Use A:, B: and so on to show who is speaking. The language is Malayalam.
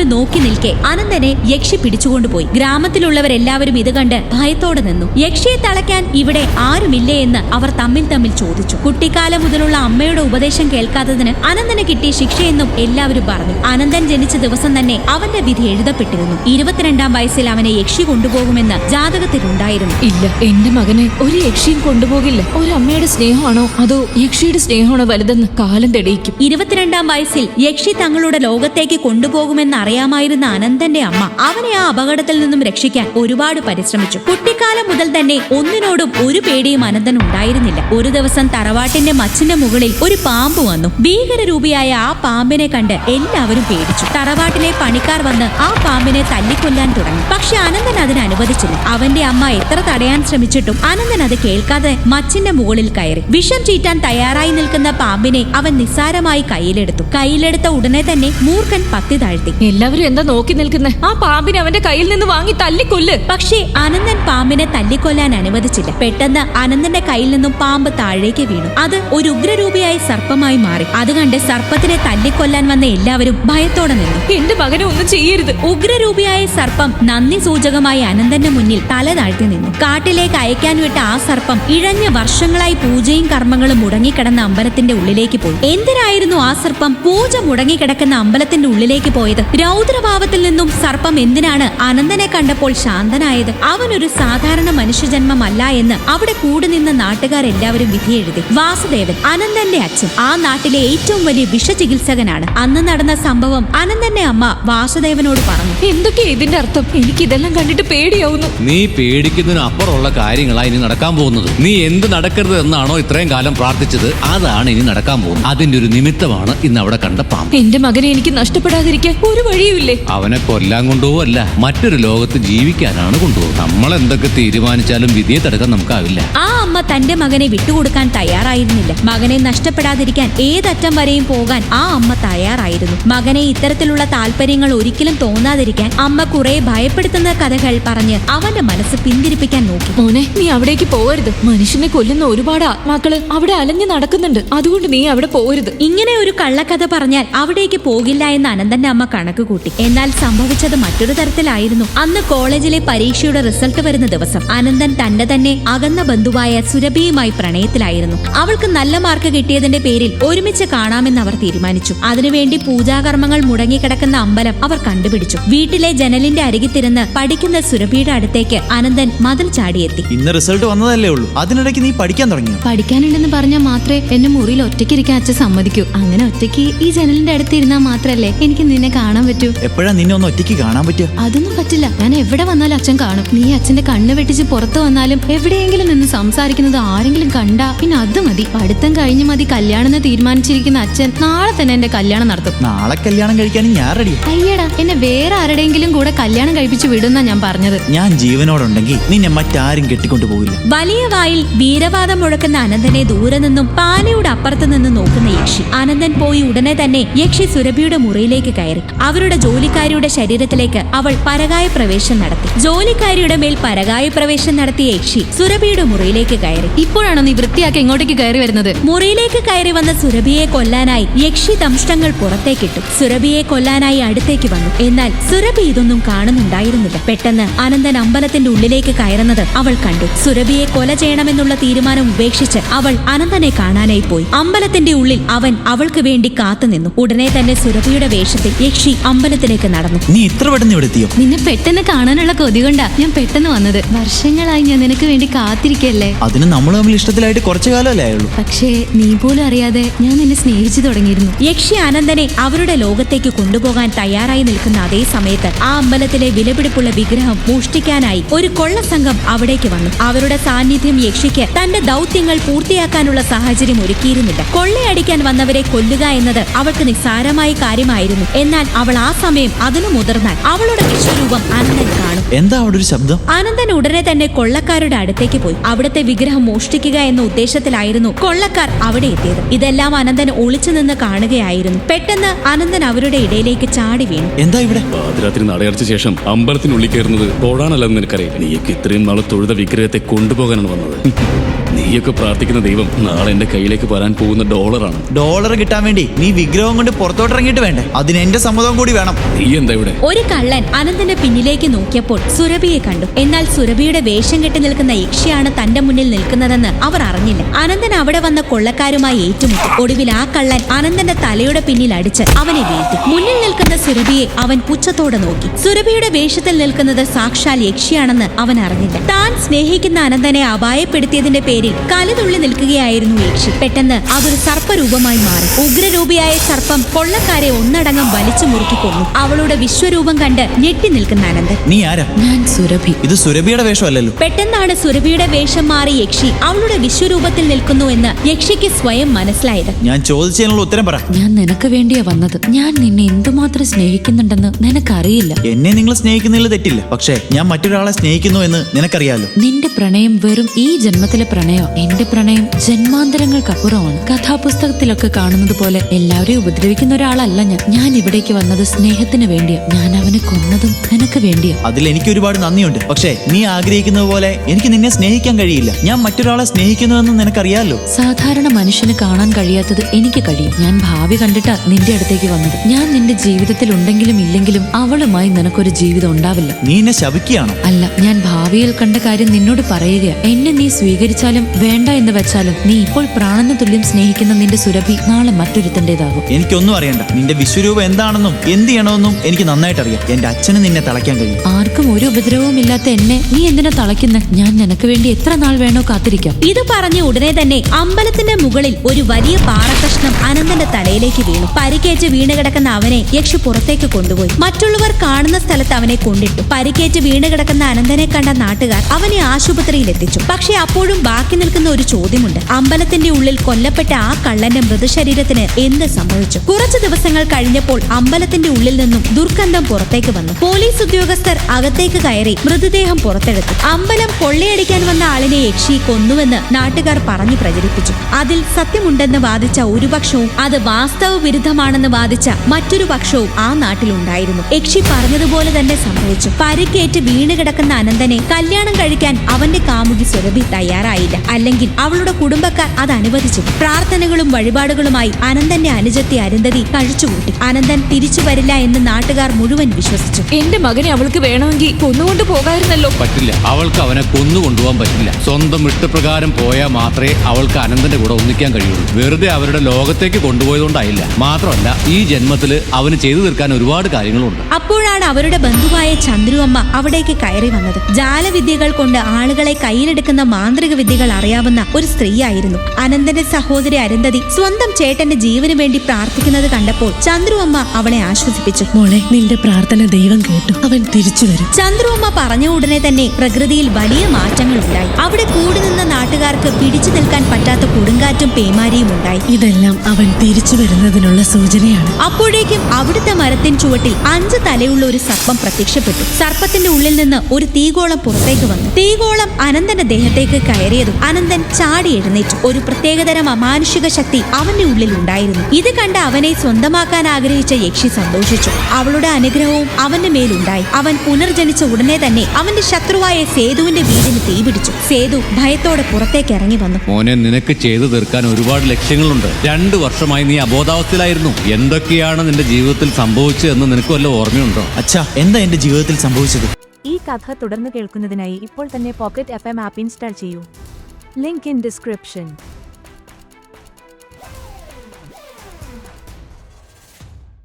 A: നോക്കി നിൽക്കെ അനന്തനെ യക്ഷി പിടിച്ചുകൊണ്ടുപോയി. ഗ്രാമത്തിലുള്ളവരെല്ലാവരും ഇത് കണ്ട് ഭയത്തോടെ നിന്നു. യക്ഷിയെ തളയ്ക്കാൻ ഇവിടെ ആരുമില്ലേ എന്ന് അവർ തമ്മിൽ ചോദിച്ചു. കുട്ടിക്കാലം മുതലുള്ള അമ്മയുടെ ഉപദേശം കേൾക്കാത്തതിന് അനന്തന് കിട്ടിയ ശിക്ഷയെന്നും എല്ലാവരും പറഞ്ഞു. അനന്തൻ ജനിച്ച ദിവസം തന്നെ അവന്റെ വിധി എഴുതപ്പെട്ടിരുന്നു. 22-ാം വയസ്സിൽ അവനെ യക്ഷി കൊണ്ടുപോകുമെന്ന് ജാതകത്തിലുണ്ടായിരുന്നു.
B: ഇല്ല, എന്റെ മകനെ ഒരു യക്ഷിയും കൊണ്ടുപോകില്ല. ഒരു അമ്മയുടെ സ്നേഹമാണോ അതോ യക്ഷിയുടെ സ്നേഹമാണോ വലുതെന്ന് കാലം തെളിയിക്കും.
A: 22-ാം വയസ്സിൽ യക്ഷി തങ്ങളുടെ ലോകത്തേക്ക് കൊണ്ടുപോകുമെന്ന് അറിയാമായിരുന്ന അനന്തന്റെ അമ്മ അവനെ ആ അപകടത്തിൽ നിന്നും രക്ഷിക്കാൻ ഒരുപാട് പരിശ്രമിച്ചു. കുട്ടിക്കാലം മുതൽ തന്നെ ഒന്നിനോടും ഒരു പേടിയും അനന്തൻ ഉണ്ടായിരുന്നില്ല. ഒരു ദിവസം തറവാട്ടിന്റെ മച്ചിന്റെ മുകളിൽ ഒരു പാമ്പ് വന്നു. ഭീകരരൂപിയായ ആ പാമ്പിനെ കണ്ട് എല്ലാവരും പേടിച്ചു. തറവാട്ടിലെ പണിക്കാർ വന്ന് ആ പാമ്പിനെ തല്ലിക്കൊല്ലാൻ തുടങ്ങി. പക്ഷെ അനന്തൻ അതിന് അനുവദിച്ചില്ല. അവന്റെ അമ്മ എത്ര തടയാൻ ശ്രമിച്ചിട്ടും അനന്തൻ അത് കേൾക്കാതെ മച്ചിന്റെ മുകളിൽ കയറി. വിഷം ചീറ്റാൻ തയ്യാറായി നിൽക്കുന്ന പാമ്പിനെ അവൻ നിസ്സാരമായി കയ്യിലെടുത്ത ഉടനെ തന്നെ മൂർഖൻ പത്തി താഴ്ത്തി.
B: എല്ലാവരും എന്താ നോക്കി നിൽക്കുന്നേ? ആ പാമ്പിനെ അവന്റെ കയ്യിൽ നിന്ന് വാങ്ങി തല്ലിക്കൊല്ല്.
A: പക്ഷേ അനന്തൻ പാമ്പിനെ തല്ലിക്കൊല്ലാൻ അനുവദിച്ചില്ല. പെട്ടെന്ന് അനന്തന്റെ കയ്യിൽ നിന്നും പാമ്പ് താഴേക്ക് വീണു. അത് ഒരു ഉഗ്രരൂപിയായ സർപ്പമായി മാറി. അത് കണ്ട് സർപ്പത്തിനെ തല്ലിക്കൊല്ലാൻ വന്ന എല്ലാവരും ഭയത്തോടെ നിന്നു.
B: എന്റെ മകനെ ഒന്നും ചെയ്യരുത്.
A: ഉഗ്രരൂപിയായ സർപ്പം നന്ദി സൂചകമായി അനന്തന്റെ മുന്നിൽ തല താഴ്ത്തി നിന്നു. കാട്ടിലേക്ക് അയക്കാൻ വിട്ട ആ സർപ്പം ഇഴഞ്ഞ വർഷങ്ങളായി പൂജയും കർമ്മങ്ങളും മുടങ്ങിക്കിടന്ന അമ്പലത്തിന്റെ ഉള്ളിലേക്ക് പോയി. എന്തിനായിരുന്നു ആ സർപ്പം പൂജ മുടങ്ങിക്കിടക്കുന്ന അമ്പലത്തിന്റെ ഉള്ളിലേക്ക് പോയത്? രൗദ്രഭാവത്തിൽ നിന്നും സർപ്പം എന്തിനാണ് അനന്തനെ കണ്ടപ്പോൾ ശാന്തനായത്? അവനൊരു സാധാരണ മനുഷ്യജന്മമല്ല എന്ന് അവിടെ കൂടി നിന്ന നാട്ടുകാരെല്ലാവരും വിധിയെഴുതി. വാസുദേവൻ, അനന്തന്റെ അച്ഛൻ, ആ നാട്ടിലെ ഏറ്റവും വലിയ വിഷചികിത്സകനാണ്. അന്ന് നടന്ന സംഭവം അനന്തന്റെ അമ്മ വാസുദേവനോട് പറഞ്ഞു.
B: എന്തൊക്കെയാ ഇതിന്റെ അർത്ഥം? എനിക്ക് ഇതെല്ലാം കണ്ടിട്ട് പേടിയാവുന്നു.
C: നീ പേടിക്കുന്നതിന് അപ്പുറമുള്ള കാര്യങ്ങളാണ് ഇനി നടക്കാൻ പോകുന്നത്. നീ എന്ത് നടക്കരുത് എന്നാണോ ഇത്രയും കാലം പ്രാർത്ഥിച്ചത്, അതാണ് ഇനി നടക്കാൻ പോകുന്നത്. അതിന്റെ ഒരു നിമിത്തമാണ് ഇന്ന് അവിടെ കണ്ട പാമ്പ്.
B: എന്റെ മകനെ എനിക്ക് നഷ്ടപ്പെടാതിരിക്കാൻ ഒരു വഴിയുമില്ലേ?
C: അവനെ കൊല്ലാൻ കൊണ്ടുപോവല്ല, മറ്റൊരു ലോകത്ത് ജീവിക്കാനാണ് കൊണ്ടുപോകുന്നത്. നമ്മൾ എന്തൊക്കെ തീരുമാനിച്ചാലും വിധിയെ തടുക്കാൻ നമുക്കാവില്ല.
A: ആ അമ്മ തന്റെ മകനെ വിട്ടുകൊടുക്കാൻ തയ്യാറായിരുന്നില്ല. മകനെ നഷ്ടപ്പെടാതിരിക്കാൻ ഏതറ്റം വരെയും പോകാൻ ആ അമ്മ തയ്യാറായിരുന്നു. മകനെ ഇത്തരത്തിലുള്ള താല്പര്യങ്ങൾ ഒരിക്കലും തോന്നാതിരിക്കാൻ അമ്മ കുറെ ഭയപ്പെടുത്തുന്ന കഥകൾ പറഞ്ഞ് അവന്റെ മനസ്സ് പിന്തിരിപ്പിക്കാൻ നോക്കി.
B: മോനെ, നീ അവിടേക്ക് പോകരുത്. മനുഷ്യനെ കൊല്ലുന്ന ഒരുപാട് ആത്മാക്കള് അവിടെ അലഞ്ഞു നടക്കുന്നുണ്ട്. അതുകൊണ്ട് നീ അവിടെ പോകരുത്.
A: ഇങ്ങനെ ഒരു കള്ളക്കഥ പറഞ്ഞാൽ അവിടേക്ക് പോകില്ല എന്ന് അനന്തന്റെ അമ്മ കണക്ക് കൂട്ടി. എന്നാൽ സംഭവിച്ചത് മറ്റൊരു തരത്തിലായിരുന്നു. അന്ന് കോളേജിലെ പരീക്ഷയുടെ റിസൾട്ട് വരുന്ന ദിവസം അനന്തൻ തന്നെ അകന്ന ബന്ധുവായ സുരഭിയുമായി പ്രണയത്തിലായിരുന്നു. അവൾക്ക് നല്ല മാർക്ക് കിട്ടിയതിന്റെ പേരിൽ ഒരുമിച്ച് കാണാമെന്ന് അവർ തീരുമാനിച്ചു. അതിനുവേണ്ടി പൂജാകർമ്മങ്ങൾ മുടങ്ങിക്കിടക്കുന്ന അമ്പലം അവർ കണ്ടുപിടിച്ചു. വീട്ടിലെ ജനലിന്റെ അരികിത്തിരുന്ന് പഠിക്കുന്ന സുരഭിയുടെ അടുത്തേക്ക് അനന്തൻ മതിൽ ചാടിയെത്തി.
D: ഇന്ന് റിസൾട്ട് വന്നതല്ലേ ഉള്ളൂ, അതിനിടയ്ക്ക് നീ പഠിക്കാൻ തുടങ്ങിയോ?
E: പഠിക്കാനുണ്ടെന്ന് പറഞ്ഞാൽ മാത്രമേ എന്നെ മുറിയിൽ ഒറ്റയ്ക്കിരിക്കാൻ അച്ഛൻ സമ്മതിക്കൂ. അങ്ങനെ ഒറ്റയ്ക്ക് ഈ ജനലിന്റെ അടുത്ത് ഇരുന്നാൽ മാത്രല്ലേ എനിക്ക് നിന്നെ കാണാൻ പറ്റൂ.
D: എപ്പോഴാ നിന്നെ ഒന്ന് ഒറ്റയ്ക്ക് കാണാൻ പറ്റുക?
E: അതൊന്നും പറ്റില്ല. ഞാൻ എവിടെ വന്നാലും അച്ഛൻ കാണും. നീ അച്ഛന്റെ കണ്ണ് വെട്ടിച്ച് പുറത്തു വന്നാലും എവിടെയെങ്കിലും നിന്ന് സംസാരിക്കുന്നത് ആരെങ്കിലും കണ്ടാ പിന്നെ അത് മതി. പഠിത്തം കഴിഞ്ഞ് മതി കല്യാണം തീരുമാനിച്ചിരിക്കുന്ന അച്ഛൻ നാളെ തന്നെ എന്റെ കല്യാണം നടത്തും.
D: നാളെ കല്യാണം കഴിക്കാനും ഞാൻ റെഡി.
E: അയ്യടാ, എന്നെ വേറെ ആരുടെയെങ്കിലും കൂടെ കല്യാണം കഴിപ്പിച്ച് വിടുന്ന ഞാൻ പറഞ്ഞത്.
D: ഞാൻ ജീവനോടുണ്ടെങ്കിൽ നിന്നെ മറ്റാരും കെട്ടിക്കൊണ്ടു പോകില്ല.
A: വലിയ വായിൽ വീരവാദം മുഴക്കുന്ന അനന്തനെ ദൂരെ നിന്നും പാലയുടെ അപ്പുറത്ത് നിന്ന് നോക്കുന്ന യക്ഷി. അനന്തൻ പോയി ഉടനെ തന്നെ യക്ഷി സുരഭിയുടെ മുറിയിലേക്ക് കയറി. അവരുടെ ജോലിക്കാരിയുടെ ശരീരത്തിലേക്ക് അവൾ പരകായ പ്രവേശം നടത്തി. ജോലിക്കാരിയുടെ മേൽ പരകായ പ്രവേശം നടത്തിയ യക്ഷി സുരഭിയുടെ മുറിയിലേക്ക് കയറി.
E: ഇപ്പോഴാണോ നീ വൃത്തിയാക്കി ഇങ്ങോട്ടേക്ക് കയറി വരുന്നത്?
A: മുറിയിലേക്ക് കയറി വന്ന സുരഭിയെ കൊല്ലാനായി യക്ഷി ദംഷ്ടങ്ങൾ പുറത്തേക്കിട്ടു. സുരഭിയെ കൊല്ലാനായി അടുത്തേക്ക് വന്നു. എന്നാൽ സുരഭി ഇതൊന്നും കാണുന്നുണ്ടായിരുന്നില്ല. പെട്ടെന്ന് അനന്തൻ അമ്പലത്തിന്റെ ഉള്ളിലേക്ക് കയറുന്നത് അവൾ കണ്ടു. സുരഭിയെ കൊല ചെയ്യണമെന്നുള്ള തീരുമാനം ഉപേക്ഷിച്ച് അവൾ അനന്തനെ കാണാനായി പോയി. അമ്പലത്തിന്റെ ഉള്ളിൽ അവൻ അവൾക്ക് വേണ്ടി കാത്തുനിന്നു. ഉടനെ തന്നെ സുരഭിയുടെ വേഷത്തിൽ യക്ഷി അമ്പലത്തിലേക്ക് നടന്നു.
D: നീ ഇത്ര പെട്ടെന്ന് ഇവിടെ എത്തിയോ?
E: നിന്നെ പെട്ടെന്ന് കാണാനുള്ള കൊതി കൊണ്ടാ ഞാൻ പെട്ടെന്ന് വന്നത്. വർഷങ്ങളായി ഞാൻ നിനക്ക് വേണ്ടി കാത്തിരിക്കല്ലേ.
D: അതിന് നമ്മൾ തമ്മിൽ ഇഷ്ടത്തിലായിട്ട് കുറച്ചു കാലമല്ലേ ആയുള്ളൂ.
E: പക്ഷേ നീ പോലും അറിയാതെ ഞാൻ നിന്നെ സ്നേഹിച്ചു തുടങ്ങിയിരുന്നു.
A: യക്ഷി അനന്തനെ അവരുടെ ലോകത്തേക്ക് കൊണ്ടുപോകാൻ തയ്യാറായി നിൽക്കുന്ന അതേ സമയത്ത് ആ അമ്പലത്തിലെ വിലപിടിപ്പുള്ള വിഗ്രഹം മോഷ്ടിക്കാനായി ഒരു കൊള്ളസംഘം അവിടേക്ക് വന്നു. അവരുടെ സാന്നിധ്യം യക്ഷിക്ക് തന്റെ ദൗത്യങ്ങൾ പൂർത്തിയാക്കാനുള്ള സാഹചര്യം ഒരുക്കിയിരുന്നില്ല. കൊള്ളയടിക്കാൻ വന്നവരെ കൊല്ലുക എന്നത് അവൾക്ക് നിസ്സാരമായ കാര്യമായിരുന്നു. എന്നാൽ അവൾ ആ സമയം അതിനു മുതിർന്നാൽ അവളുടെ വിശ്വരൂപം അനന്തൻ കാണും.
D: എന്താ അവിടെ ഒരു ശബ്ദം?
A: അനന്തൻ ഉടനെ തന്നെ കൊള്ളക്കാരുടെ അടുത്തേക്ക് പോയി. അവിടുത്തെ വിഗ്രഹം മോഷ്ടിക്കുക എന്ന ഉദ്ദേശത്തിലായിരുന്നു കൊള്ളക്കാർ അവിടെ എത്തിയത്. ഇതെല്ലാം അനന്തൻ ഒളിച്ചു നിന്ന് കാണുകയായിരുന്നു. പെട്ടെന്ന് അനന്തൻ അവരുടെ ഇടയിലേക്ക് ചാടി വീണു.
D: എന്താ ഇവിടെ?
F: പാതിരാത്രി നടയടച്ച ശേഷം അമ്പലത്തിനുള്ളിൽ കയറുന്നത് തൊഴാനല്ലെന്ന് നിനക്കറിയില്ല. നീക്ക് ഇത്രയും നാളെ തൊഴുത വിഗ്രഹത്തെ കൊണ്ടുപോകാനാണ് വന്നത്. നീയൊക്കെ പ്രാർത്ഥിക്കുന്ന ദൈവം നാളെ എന്റെ കയ്യിലേക്ക് വരാൻ പോകുന്ന ഡോളറാണ്.
D: ഡോളർ കിട്ടാൻ വേണ്ടി നീ വിഗ്രഹം കൊണ്ട് പുറത്തോട്ടിറങ്ങിയിട്ട് വേണ്ടേ? അതിന് എന്റെ സമ്മതം കൂടി വേണം.
F: നീ എന്താ ഇവിടെ?
A: ഒരു കള്ളൻ അനന്തന്റെ പിന്നിലേക്ക് നോക്കിയപ്പോൾ സുരഭിയെ കണ്ടു. എന്നാൽ സുരഭിയുടെ വേഷം കെട്ടി നിൽക്കുന്ന യക്ഷിയാണ് തന്റെ മുന്നിൽ നിൽക്കുന്നതെന്ന് അവർ അറിഞ്ഞില്ല. അനന്തൻ അവിടെ വന്ന കൊള്ളക്കാരുമായി ഏറ്റുമുട്ടി. ഒടുവിൽ ആ കള്ളൻ അനന്തന്റെ തലയുടെ പിന്നിൽ അടിച്ച് അവനെ വീഴ്ത്തി. മുന്നിൽ നിൽക്കുന്ന സുരഭിയെ അവൻ പുച്ഛത്തോടെ നോക്കി. സുരഭിയുടെ വേഷത്തിൽ നിൽക്കുന്നത് സാക്ഷാൽ യക്ഷിയാണെന്ന് അവൻ അറിഞ്ഞില്ല. താൻ സ്നേഹിക്കുന്ന അനന്തനെ അപായപ്പെടുത്തിയതിന്റെ പേരിൽ കലിതുള്ളി നിൽക്കുകയായിരുന്നു യക്ഷി. പെട്ടെന്ന് അതൊരു സർപ്പരൂപമായി മാറി. ഉഗ്രരൂപിയായ സർപ്പം കൊള്ളക്കാരെ ഒന്നടങ്കം വലിച്ചു മുറുക്കി കൊന്നു. അവളുടെ വിശ്വരൂപം കണ്ട് ഞെട്ടി നിൽക്കുന്ന അനന്തൻ,
D: നീ ആരാ?
B: ഞാൻ സുരഭി.
D: ഇത് സുരഭിയുടെ വേഷമല്ലല്ലോ.
A: പെട്ടെന്നാണ് സുരഭിയുടെ വേഷം മാറി യക്ഷി അവളുടെ വിശ്വരൂപത്തിൽ നിൽക്കുന്നു എന്ന് യക്ഷിക്ക് സ്വയം മനസ്സിലായത്.
D: ഞാൻ ചോദിച്ചതിനുള്ള ഉത്തരം പറ.
B: ഞാൻ നിനക്ക് വേണ്ടിയാ വന്നത്. ഞാൻ നിന്നെ എന്തുമാത്രം സ്നേഹിക്കുന്നുണ്ടെന്ന് നിനക്കറിയില്ല.
D: എന്നെ നിങ്ങൾ സ്നേഹിക്കുന്നതിൽ തെറ്റില്ല. പക്ഷേ ഞാൻ മറ്റൊരാളെ സ്നേഹിക്കുന്നു എന്ന് നിനക്കറിയാലോ.
B: നിന്റെ പ്രണയം വെറും ഈ ജന്മത്തിലെ പ്രണയോ? എന്റെ പ്രണയം ജന്മാന്തരങ്ങൾക്കപ്പുറമാണ്. കഥാപുസ്തകത്തിലൊക്കെ കാണുന്നത് പോലെ എല്ലാവരെയും ഉപദ്രവിക്കുന്ന ഒരാളല്ല ഞാൻ. ഞാൻ ഇവിടേക്ക് വന്നത് സ്നേഹത്തിന് വേണ്ടിയാ. ഞാൻ അവനെ കൊന്നതും നിനക്ക് വേണ്ടിയാ.
D: അതിൽ എനിക്ക് ഒരുപാട് നന്ദിയുണ്ട്. പക്ഷേ നീ ആഗ്രഹിക്കുന്നത് പോലെ എനിക്ക് നിന്നെ സ്നേഹിക്കാൻ കഴിയില്ല. ഞാൻ മറ്റൊരാളെ സ്നേഹിക്കുന്നുവെന്ന് നിനക്കറിയാലോ.
B: സാധാരണ മനുഷ്യന് കാണാൻ കഴിയാത്തത് എനിക്ക് കഴിയും. ഞാൻ ഭാവി കണ്ടിട്ടാ നിന്റെ അടുത്തേക്ക് വന്നത്. ഞാൻ നിന്റെ ജീവിതത്തിൽ ഉണ്ടെങ്കിലും ഇല്ലെങ്കിലും അവളുമായി നിനക്കൊരു ജീവിതം ഉണ്ടാവില്ല.
D: നീ എന്നെ ശപിക്കുകയാണോ?
B: അല്ല, ഞാൻ ഭാവിയിൽ കണ്ട കാര്യം നിന്നോട് പറയുകയാ. എന്നെ നീ സ്വീകരിച്ചാലും വേണ്ട എന്ന് വെച്ചാലും നീ ഇപ്പോൾ പ്രാണന തുല്യം സ്നേഹിക്കുന്ന നിന്റെ സുരഭി നാളെ മറ്റൊരുത്തൻ്റെതാകും.
D: എനിക്കൊന്നും അറിയണ്ട. നിന്റെ വിശ്വരൂപം എന്താണെന്നും എന്ത് ചെയ്യണമെന്നും എനിക്ക് നന്നായിട്ട് അറിയാം. എന്റെ അച്ഛന് നിന്നെ തളയ്ക്കാൻ കഴിയും.
B: ആർക്കും ഒരു ഉപദ്രവവും ഇല്ലാത്ത എന്നെ നീ എന്തിനാ തളയ്ക്കുന്നെ? ഞാൻ നിനക്ക് വേണ്ടി എത്ര നാൾ വേണോ കാത്തിരിക്കാം.
A: ഇത് പറഞ്ഞ ഉടനെ തന്നെ അമ്പലത്തിന്റെ മുകളിൽ ഒരു വലിയ പാറക്കഷ്ണം അനന്തന്റെ തലയിലേക്ക് വീണു. പരിക്കേറ്റ് വീണുകിടക്കുന്ന അവനെ യക്ഷി പുറത്തേക്ക് കൊണ്ടുപോയി. മറ്റുള്ളവർ കാണുന്ന സ്ഥലത്ത് അവനെ കൊണ്ടിട്ടു. പരിക്കേറ്റ് വീണുകിടക്കുന്ന അനന്തനെ കണ്ട നാട്ടുകാർ അവനെ ആശുപത്രിയിൽ എത്തിച്ചു. പക്ഷെ അപ്പോഴും ബാക്കി നിൽക്കുന്ന ഒരു ചോദ്യമുണ്ട്. അമ്പലത്തിന്റെ ഉള്ളിൽ കൊല്ലപ്പെട്ട ആ കള്ളന്റെ മൃതശരീരത്തിന് എന്ത് സംഭവിച്ചു? കുറച്ചു ദിവസങ്ങൾ കഴിഞ്ഞപ്പോൾ അമ്പലത്തിന്റെ ഉള്ളിൽ നിന്നും ദുർഗന്ധം പുറത്തേക്ക് വന്നു. പോലീസ് ഉദ്യോഗസ്ഥർ അകത്തേക്ക് കയറി മൃതദേഹം പുറത്തെടുത്തു. അമ്പലം കൊള്ളയടിക്കാൻ വന്ന ആളിനെ യക്ഷി കൊന്നുവെന്ന് നാട്ടുകാർ പറഞ്ഞു പ്രചരിപ്പിച്ചു. അതിൽ സത്യമുണ്ടെന്ന് വാദിച്ച ഒരു പക്ഷവും അത് വാസ്തവ വിരുദ്ധമാണെന്ന് വാദിച്ച മറ്റൊരു പക്ഷവും ആ നാട്ടിലുണ്ടായിരുന്നു. യക്ഷി പറഞ്ഞതുപോലെ തന്നെ സംഭവിച്ചു. പരിക്കേറ്റ് വീണുകിടക്കുന്ന അനന്തനെ കല്യാണം കഴിക്കാൻ അവന്റെ കാമുകി സുരഭി തയ്യാറായില്ല. അല്ലെങ്കിൽ അവളുടെ കുടുംബക്കാർ അത് അനുവദിച്ചില്ല. പ്രാർത്ഥനകളും വഴിപാടുകളുമായി അനന്തന്റെ അനുജത്തി അരുന്ധതി കഴിച്ചുകൂട്ടി. അനന്തൻ തിരിച്ചു വരില്ല എന്ന് നാട്ടുകാർ മുഴുവൻ വിശ്വസിച്ചു.
B: എന്റെ മകനെ അവൾക്ക് വേണമെങ്കിൽ കൊന്നുകൊണ്ട് പോകായിരുന്നല്ലോ.
C: പറ്റില്ല. അവൾക്ക് അവനെ കൊന്നു കൊണ്ടുപോകാൻ പറ്റില്ല. സ്വന്തം ഇഷ്ടപ്രകാരം പോയാൽ മാത്രമേ അവൾക്ക് അനന്തന്റെ കൂടെ ഒന്നിക്കാൻ കഴിയുള്ളൂ. വെറുതെ അവരുടെ ലോകത്തേക്ക് കൊണ്ടുപോയതുകൊണ്ടായില്ല. മാത്രമല്ല ഈ ജന്മത്തില് അവന് ചെയ്തു തീർക്കാൻ ഒരുപാട് കാര്യങ്ങളുണ്ട്.
A: അപ്പോഴാണ് അവരുടെ ബന്ധുവായ ചന്ദ്രു അമ്മ അവിടേക്ക് കയറി വന്നത്. ജാലവിദ്യകൾ കൊണ്ട് ആളുകളെ കയ്യിലെടുക്കുന്ന മാന്ത്രിക വിദ്യകൾ അറിയാവുന്ന ഒരു സ്ത്രീയായിരുന്നു. അനന്തന്റെ സഹോദരി അരുന്ധതി സ്വന്തം ചേട്ടന്റെ ജീവന് വേണ്ടി പ്രാർത്ഥിക്കുന്നത് കണ്ടപ്പോൾ ചന്ദ്രു അമ്മ അവളെ ആശ്വസിപ്പിച്ചു.
G: മോളെ, നിന്റെ പ്രാർത്ഥന ദൈവം കേട്ടു. അവൻ തിരിച്ചു വരും.
A: ചന്ദ്രു അമ്മ പറഞ്ഞ ഉടനെ തന്നെ പ്രകൃതിയിൽ വലിയ മാറ്റങ്ങൾ ഉണ്ടായി. അവിടെ കൂടി നിന്ന നാട്ടുകാർക്ക് പിടിച്ചു നിൽക്കാൻ പറ്റാത്ത കൊടുങ്കാറ്റും പേമാരിയും ഉണ്ടായി.
G: ഇതെല്ലാം അവൻ തിരിച്ചു വരുന്നതിനുള്ള സൂചനയാണ്.
A: അപ്പോഴേക്കും അവിടുത്തെ മരത്തിൻ ചുവട്ടിൽ 5 തലയുള്ള ഒരു സർപ്പം പ്രത്യക്ഷപ്പെട്ടു. സർപ്പത്തിന്റെ ഉള്ളിൽ നിന്ന് ഒരു തീഗോളം പുറത്തേക്ക് വന്നു. തീഗോളം അനന്തന്റെ ദേഹത്തേക്ക് കയറിയതും അനന്തൻ ചാടി എഴുന്നേറ്റു. ഒരു പ്രത്യേകതരം അമാനുഷിക ശക്തി അവന്റെ ഉള്ളിൽ ഉണ്ടായിരുന്നു. ഇത് കണ്ട് അവനെ സ്വന്തമാക്കാൻ ആഗ്രഹിച്ച യക്ഷി സന്തോഷിച്ചു. അവളുടെ അനുഗ്രഹവും അവന്റെ മേലുണ്ടായി. അവൻ പുനർജനിച്ച ഉടനെ തന്നെ അവന്റെ ശത്രുവായ സേതുവിന്റെ വീടിന് തീപിടിച്ചു. സേതു ഭയത്തോടെ പുറത്തേക്ക് ഇറങ്ങി വന്നു.
C: മോനെ, നിനക്ക് ചെയ്തു തീർക്കാൻ ഒരുപാട് ലക്ഷ്യങ്ങളുണ്ട്. 2 വർഷമായി നീ അബോധാവസ്ഥയിലായിരുന്നു. എന്തൊക്കെയാണ് നിന്റെ ജീവിതത്തിൽ സംഭവിച്ചതെന്ന് നിനക്ക് വല്ല ഓർമ്മയുണ്ടോ?
D: അച്ഛാ, എന്താ എന്റെ ജീവിതത്തിൽ സംഭവിച്ചത്?
H: ഈ കഥ തുടർന്ന് കേൾക്കുന്നതിനായി ഇപ്പോൾ തന്നെ പോക്കറ്റ് FM ആപ്പ് ഇൻസ്റ്റാൾ ചെയ്യൂ. Link in description.